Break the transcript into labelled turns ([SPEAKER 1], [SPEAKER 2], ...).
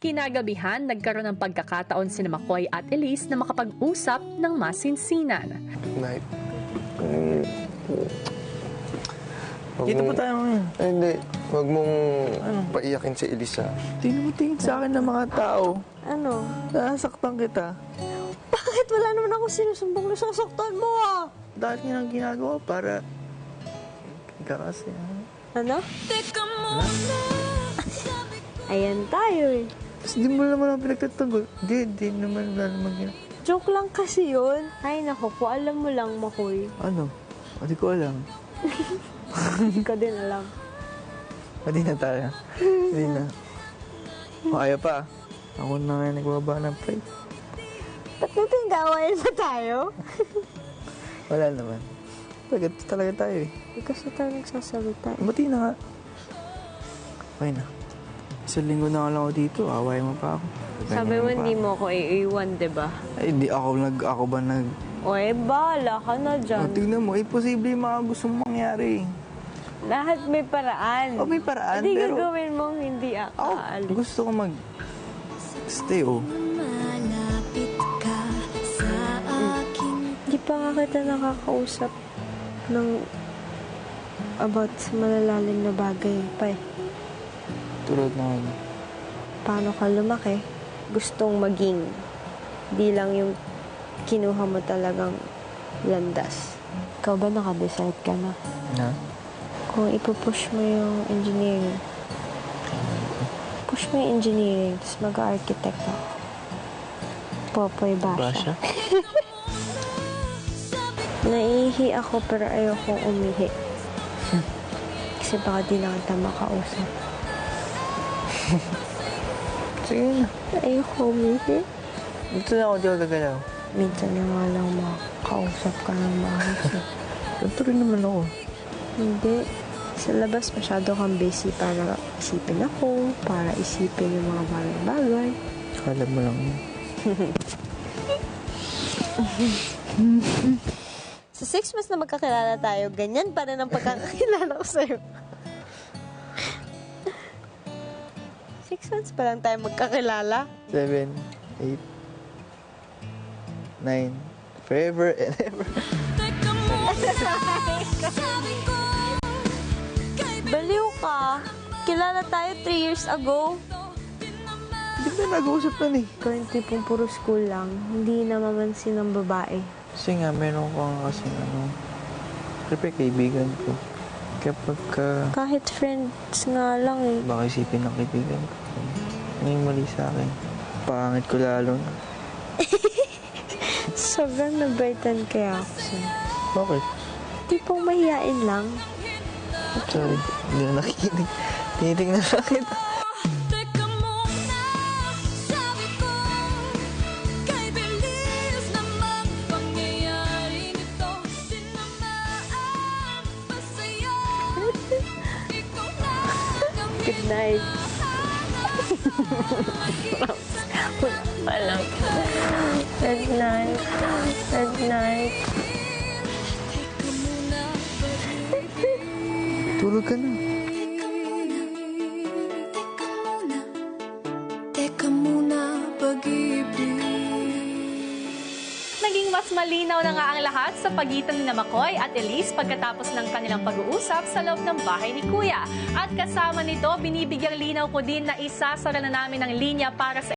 [SPEAKER 1] Kinagabihan, nagkaroon ng pagkakataon sina McCoy at Elise na makapag-usap ng masinsinan.
[SPEAKER 2] Night.
[SPEAKER 3] Dito po tayo ngayon.
[SPEAKER 2] Ay, hindi. Huwag mong paiyakin si Elisa.
[SPEAKER 3] Tingnan mo tingin sa akin ng mga tao.
[SPEAKER 4] Ano?
[SPEAKER 3] Nasaktan kita.
[SPEAKER 4] Bakit wala naman ako sinusumbong na sasaktan mo ah?
[SPEAKER 3] Dahil nga ang ginagawa para... Ika kasi, ha?
[SPEAKER 4] Ano? Ayan tayo eh.
[SPEAKER 3] Tapos di mo naman ang pinagtatanggol. Di naman, wala naman ginagawa.
[SPEAKER 4] Joke lang kasi yun. Ay nako po, alam mo lang, Makoy.
[SPEAKER 3] Ano? Hindi ko alam.
[SPEAKER 4] Hindi ka din alam.
[SPEAKER 3] Hindi na tayo. Hindi na. O, kaya pa. Ako na nga nagbaba ng plate.
[SPEAKER 4] Ba't natin gawain pa tayo?
[SPEAKER 3] Wala naman. Talaga tayo eh.
[SPEAKER 4] Hindi kasi tayo nagsasalita eh.
[SPEAKER 3] Buti na nga. Okay na. Isang linggo na lang ako dito. Away mo pa ako.
[SPEAKER 4] Sabi mo hindi mo ako iiwan, diba?
[SPEAKER 3] Ay, di ako ba nag...
[SPEAKER 4] O eh, bahala ka na dyan.
[SPEAKER 3] Tignan mo, imposible yung mga gusto mong mangyari.
[SPEAKER 4] Lahat may paraan.
[SPEAKER 3] May paraan,
[SPEAKER 4] Hindi
[SPEAKER 3] pero...
[SPEAKER 4] gagawin mong hindi
[SPEAKER 3] Ako,
[SPEAKER 4] aalis.
[SPEAKER 3] gusto ko stay,
[SPEAKER 5] Malapit ka sa aking
[SPEAKER 4] Hindi pa nga kita nakakausap ng about sa malalalim na bagay pa eh.
[SPEAKER 3] Tulad na ano.
[SPEAKER 4] Paano ka lumaki? Gustong maging. Di lang yung kinuha mo talagang landas. Ikaw ba naka-decide ka na?
[SPEAKER 3] Na?
[SPEAKER 4] Kung ipupush mo yung engineering, push mo yung engineering, tapos mag-architect ako. Popoy Basha. Naihi ako pero ayokong umihi. Kasi baka di lang kita makausap.
[SPEAKER 3] Sige na.
[SPEAKER 4] Ayoko umihi.
[SPEAKER 3] Dito na ako, di ako gagalaw.
[SPEAKER 4] Minsan na nga lang makausap ka ng maayos.
[SPEAKER 3] Ganito rin naman ako.
[SPEAKER 4] Hindi. Sa labas, masyado kang busy para isipin ako, para isipin yung mga bagay-bagay.
[SPEAKER 3] Kala mo lang yun.
[SPEAKER 4] Sa 6 months na magkakilala tayo, ganyan pa rin ang pagkakakilala ko sa'yo. 6 months pa lang tayo magkakilala.
[SPEAKER 3] 7, 8, 9, forever and ever.
[SPEAKER 4] Baliw ka. Kilala tayo 3 years ago.
[SPEAKER 3] Hindi ko na nag-uusap nun eh.
[SPEAKER 4] Ikaw yung tipong puro school lang. Hindi na mamansin ng babae.
[SPEAKER 3] Kasi nga, meron ko nga kasi siyempre kaibigan ko. Kapag
[SPEAKER 4] Kahit friends nga lang eh.
[SPEAKER 3] baka isipin ng kaibigan ko. Ano yung mali sa akin? Pangit ko lalo na.
[SPEAKER 4] Sobrang nabaitan kaya ako sa'yo.
[SPEAKER 3] Bakit?
[SPEAKER 4] Tipong mahihain lang.
[SPEAKER 3] Sorry, hindi na nakikinig. Tinitingnan lang kita.
[SPEAKER 5] Teka muna, sabi ko, kay bilis namang pangyayaring ito, tinamaan pa sa'yo. Ikaw na ang
[SPEAKER 4] Good night. Walang. Good night. Good night.
[SPEAKER 5] teka muna,
[SPEAKER 3] Tulog ka na.
[SPEAKER 5] teka muna, pag-ibig.
[SPEAKER 1] Naging mas malinaw na nga ang lahat sa pagitan ni McCoy at Elise pagkatapos ng kanilang pag-uusap sa loob ng bahay ni Kuya. At kasama nito, binibigyang linaw ko din na isasara na namin ang linya para sa